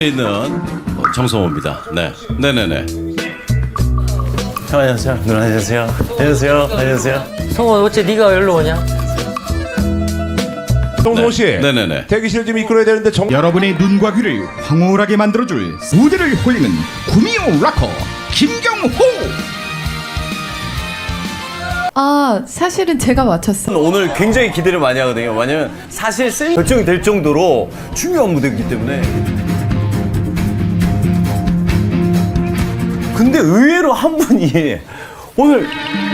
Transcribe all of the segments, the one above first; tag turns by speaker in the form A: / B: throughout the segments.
A: 있는 정성호입니다. 네, 네네네. 안녕하세요. 누나 안녕하세요. 안녕하세요. 안녕하세요.
B: 성호 어째 네가 여기로 오냐?
C: 정성호 씨,
A: 네네네.
C: 대기실 좀 이끌어야 되는데
D: 여러분의 눈과 귀를 황홀하게 만들어줄 무대를 홀리는 구미호 락커 김경호.
E: 아, 사실은 제가 맞췄어요.
A: 오늘 굉장히 기대를 많이 하거든요. 왜냐면 사실 결정이 될 정도로 중요한 무대이기 때문에. 근데 의외로 한 분이 오늘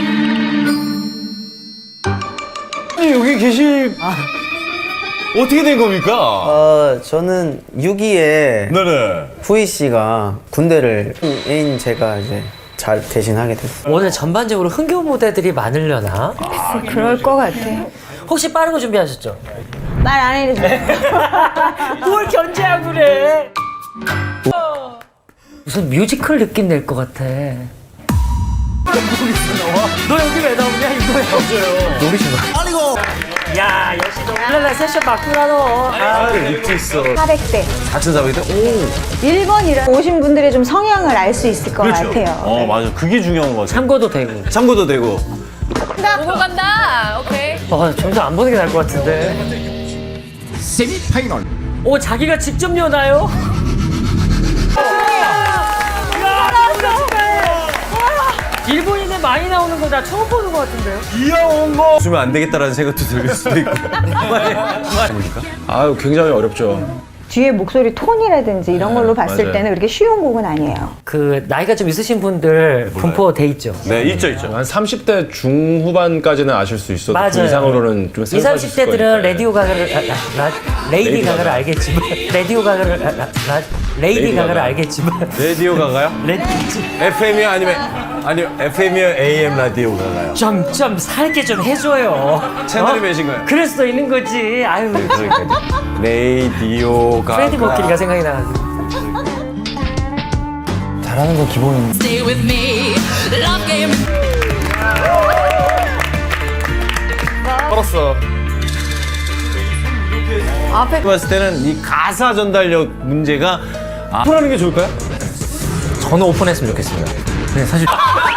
A: 아니 여기 계실 어떻게 된 겁니까?
F: 저는 6.2에
A: 네네.
F: 후이 씨가 군대를 애인 제가 이제 잘 대신하게 됐어요.
B: 오늘 전반적으로 흥겨운 무대들이 많으려나?
G: 그럴 것 같아.
B: 혹시 빠른 거 준비하셨죠?
G: 말 안 해도 돼.
B: 뭘 견제하고 그래? 무슨 뮤지컬 느낌 낼 것 같아. 너 여기 왜 나오냐 이거야? 없어요.
F: 노리신 거.
B: 야 역시 너 울랄라 세션 맞구나 너.
A: 입고 있어.
G: 400대.
A: 4,400대? 오.
G: 1번이라 오신 분들의 좀 성향을 알 수 있을 것
A: 그렇죠.
G: 같아요.
A: 어 맞아. 그게 중요한 거 같아.
B: 참고도 되고.
A: 참고도 되고.
E: 보고 간다. 오케이.
B: 점점 안 보는 게 나을 것 같은데.
D: 세미파이널
B: 오 자기가 직접 여나요? 일본인은 많이 나오는 거 나 처음 보는 것 같은데요?
A: 귀여운 거 주면 안 되겠다라는 생각도 들 수도 있고.
C: 아유 굉장히 어렵죠.
G: 뒤에 목소리 톤이라든지 이런 걸로 봤을
A: 맞아요.
G: 때는 그렇게 쉬운 곡은 아니에요.
B: 그 나이가 좀 있으신 분들 분포돼 있죠?
A: 네, 있죠, 있죠.
C: 한 30대 중후반까지는 아실 수 있어도
B: 맞아요.
C: 그 이상으로는 좀
B: 20,
C: 생소하실
B: 30대들은
C: 거니까.
B: 레디오 가가를 레이디 가가를 알겠지만 레디오 가가를 레이디 가가를 알겠지만
A: 라디오 가가요? FM이요? 아니요, FM이요? AM 라디오 가가요?
B: 좀 살게 좀 해줘요.
A: 채널이 몇인가요?
B: 그럴 수도 있는 거지. 아유,
A: 라디오 가가.
B: 프레디 머큐리가 생각이 나가지고.
F: 잘하는 건 기본인데.
H: Stay with me. Love game.
A: 걸었어.
E: 앞에
A: 봤을 때는 이 가사 전달력 문제가 풀하는 게 좋을까요?
B: 저는 오픈했으면 좋겠습니다. 근데 사실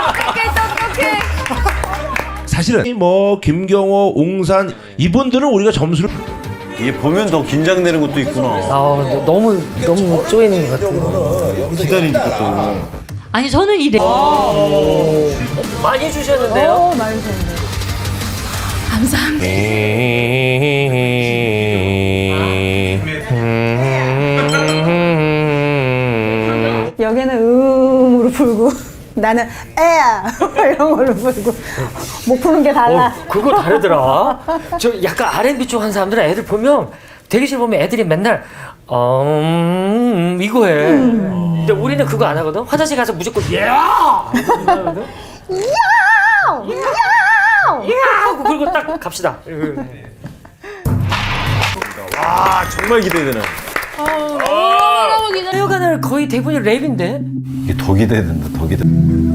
C: 사실은 뭐 김경호, 웅산 이분들은 우리가 점수를
A: 이게 보면 더 긴장되는 것도 있구나.
B: 너무 쪼이는 것 같아요.
A: 기다리니까 또.
H: 아니 저는 이래.
B: 많이 주셨는데요?
G: 많이 좋은데.
H: 감사합니다.
G: 여기는 음으로 불고 나는 에야 이런 걸로 불고 못 푸는 게 달라.
B: 그거 다르더라. 저 약간 R&B 쪽 한 사람들은 애들 보면 대기실 보면 애들이 맨날 이거 해. 근데 우리는 그거 안 하거든. 화장실 가서 무조건 야! 하거든. 하고 그리고 딱 갑시다.
A: 아, 정말 기대되는.
B: 하여간은 거의 대부분이 랩인데.
A: 이게 더 기대된다, 더 기대.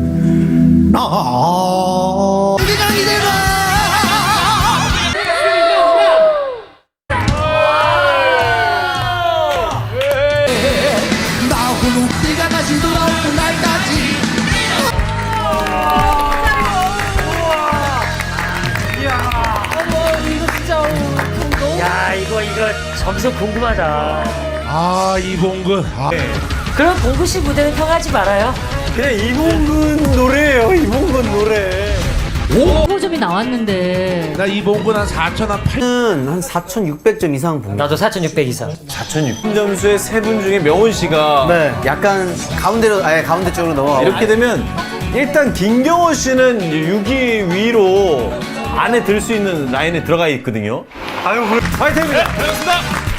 B: 야 이거 점수 궁금하다.
C: 아 이봉근
B: 그럼 봉구 씨 무대는 평하지 말아요.
A: 그냥 이봉근 노래예요, 이봉근 노래.
H: 호점이 나왔는데.
C: 나 이봉근 한 4천 한 8.
F: 한 4,600점 이상 본 거.
B: 나도 4,600 이상.
A: 4,600 점수의 세 분 중에 명훈 씨가
F: 네, 약간 가운데 쪽으로 넘어가고.
A: 이렇게 되면 일단 김경호 씨는 6위 위로 안에 들 수 있는 라인에 들어가 있거든요. 아유, 화이팅입니다. 반갑습니다.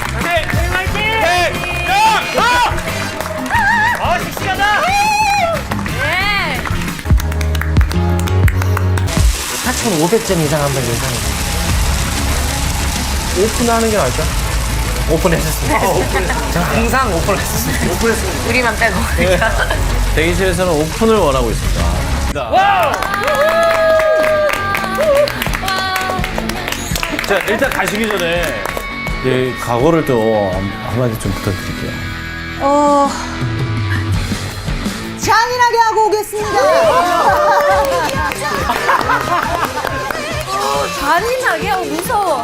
B: 씩씩하다. 4,500점 이상 한번 예상해.
C: 오픈하는 게 나을까?
B: 오픈했었습니다. 저는 항상 오픈했었습니다.
E: 우리만 빼고.
A: 대기실에서는 오픈을 원하고 있습니다. 자, 일단 가시기 전에 각오를 또 한마디 좀 부탁드릴게요.
G: 잔인하게 하고 오겠습니다.
E: 잔인하게? 무서워.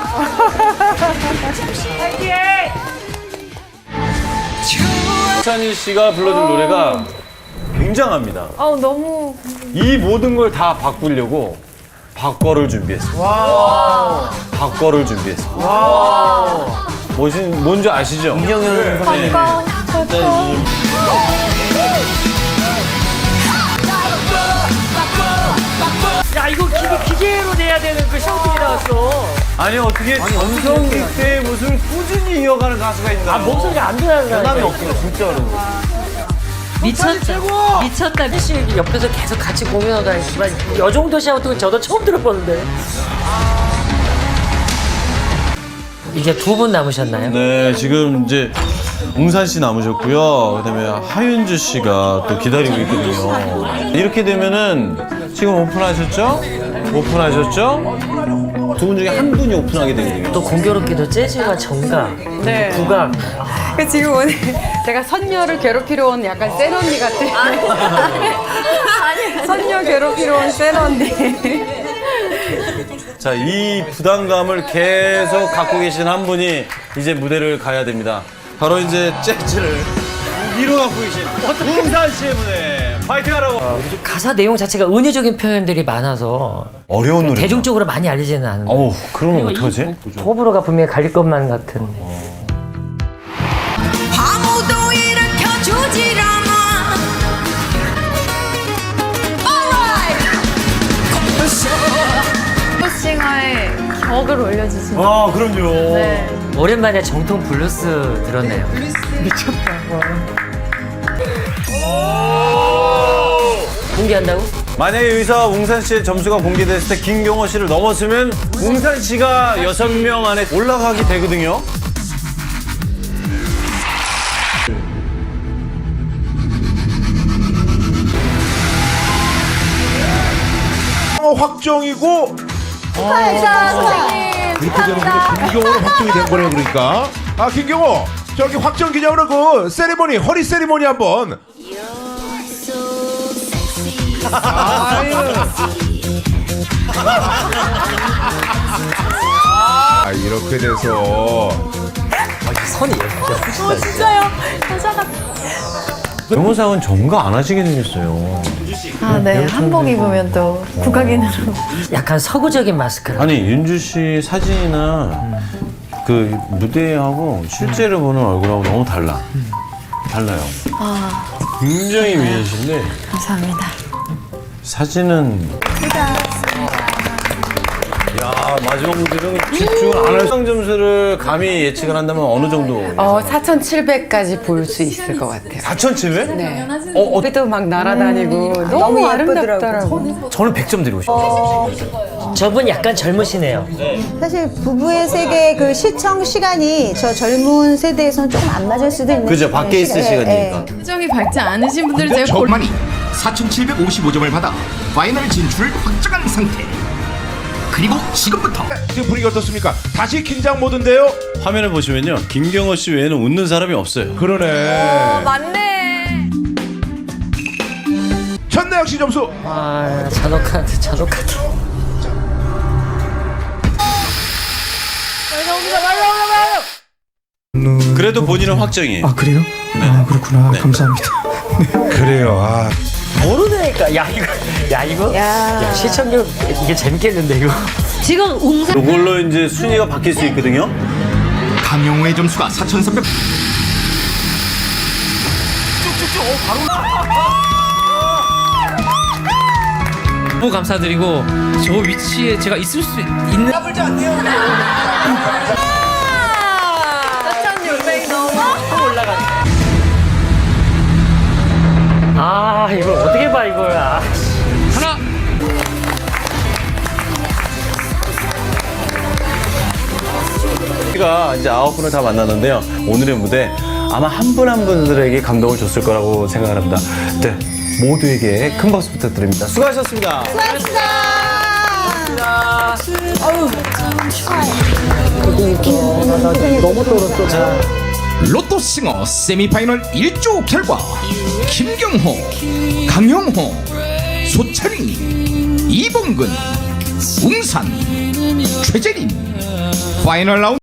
A: 찬희 씨가 불러준 노래가 굉장합니다.
E: 너무.
A: 이 모든 걸 다 바꾸려고 박거를 준비했습니다. 박거를 준비했습니다. 뭔지 아시죠?
F: 이정현 선생님.
B: 야 이거 기계로 내야 되는 그 샤우팅이 나왔어.
A: 아니 어떻게 전성기 때 무슨 꾸준히 이어가는 가수가 있나?
B: 목소리가 안 들어가는
A: 변함이 없어 진짜로.
H: 미쳤다. 미쳤다.
B: 씨 옆에서 계속 같이 공연하다 했지만 이 정도 샤우팅은 저도 처음 들어보는데. 이제 두 분 남으셨나요?
A: 네, 지금 이제 웅산 씨 남으셨고요. 그다음에 하윤주 씨가 또 기다리고 있거든요. 이렇게 되면은 지금 오픈하셨죠? 두 분 중에 한 분이 오픈하게 되거든요.
B: 또 공교롭게도 재즈와 정각, 국악.
E: 그 지금 오늘 제가 선녀를 괴롭히러 온 약간 센 언니 같아. 아니, 선녀 괴롭히러 온 센 언니.
A: 자, 이 부담감을 계속 갖고 계신 한 분이 이제 무대를 가야 됩니다. 바로 이제 재즈를 위로 갖고 계신 웅산 씨의 무대. 파이팅 하라고.
B: 가사 내용 자체가 은유적인 표현들이 많아서
A: 어려운 노래.
B: 대중적으로 많이 알리지는 않은데.
A: 어우, 그러면 어떡하지?
B: 호불호가 분명히 갈릴 것만 같은.
H: 아무도 일으켜주질 않아.
E: 싱어의 격을 올려주시면.
A: 아, 그럼요.
E: 네.
B: 오랜만에 정통 블루스 들었네요. 공개한다고?
A: 만약에 여기서 웅산 씨의 점수가 공개됐을 때 김경호 씨를 넘었으면 웅산 씨가 6명 안에 올라가게 되거든요.
C: 확정이고
G: 축하합니다.
C: 그렇게 되는 게 김경호로 확정이 된 거네요. 그러니까 김경호 저기 확정 기념으로 그 세리머니 허리 세리머니 한번. 이렇게 돼서
B: 선이 예뻐.
E: 진짜요? 여자가.
A: 변호사는 점가 안 하시게 생겼어요.
E: 아, 네. 한복 입으면 또 국악인으로.
B: 약간 서구적인 마스크라.
A: 아니 윤주 씨 사진이나 그 무대하고 실제로 보는 얼굴하고 너무 달라요. 굉장히 미인이신데
E: 감사합니다.
A: 사진은. 야, 마지막 무대는 집중을 안 할 점수를 감히 예측을 한다면 어느 정도?
I: 4,700까지 볼 수 있을 것 같아요.
A: 4,700?
I: 네. 그래도 막 날아다니고 너무 아름답더라고요.
A: 저는 100점 드리고 싶어요.
B: 저분 약간 젊으시네요.
G: 사실 부부의 세계 그 시청 시간이 저 젊은 세대에서는 좀 안 맞을 수도 있는.
A: 그죠, 밖에 있을 시간이니까.
E: 표정이 밝지 않으신 분들은
D: 근데
E: 제가
D: 저만이 4,755점을 받아 파이널 진출을 확정한 상태. 그리고 지금부터
C: 지금 분위기 어떻습니까? 다시 긴장 모드인데요.
A: 화면을 보시면요, 김경호 씨 외에는 웃는 사람이 없어요.
C: 그러네.
E: 맞네.
C: 천나영 씨 점수.
B: 아, 잔혹하다.
A: 그래도 본인은 확정이에요.
J: 아 그래요? 아 그렇구나. 감사합니다.
C: 그래요.
B: 모르니까 야 시청률 이게 재밌겠는데 이거.
H: 지금 웅산
A: 이걸로 이제 순위가 바뀔 수 있거든요.
D: 강영호의 점수가 4,300.
J: 너무 감사드리고 저 위치에 제가 있을 수 있는.
E: 4,600 넘어?
B: 아 이걸 어떻게 봐 이걸.
J: 하나.
A: 우리가 이제 9분을 다 만났는데요. 오늘의 무대 아마 한 분 한 분들에게 감동을 줬을 거라고 생각을 합니다. 네, 모두에게 큰 박수 부탁드립니다. 수고하셨습니다.
B: 너무 떨었어.
D: 로또싱어 세미파이널 1조 결과 김경호, 강영호, 소찬희, 이봉근, 웅산, 최재림 파이널 라운드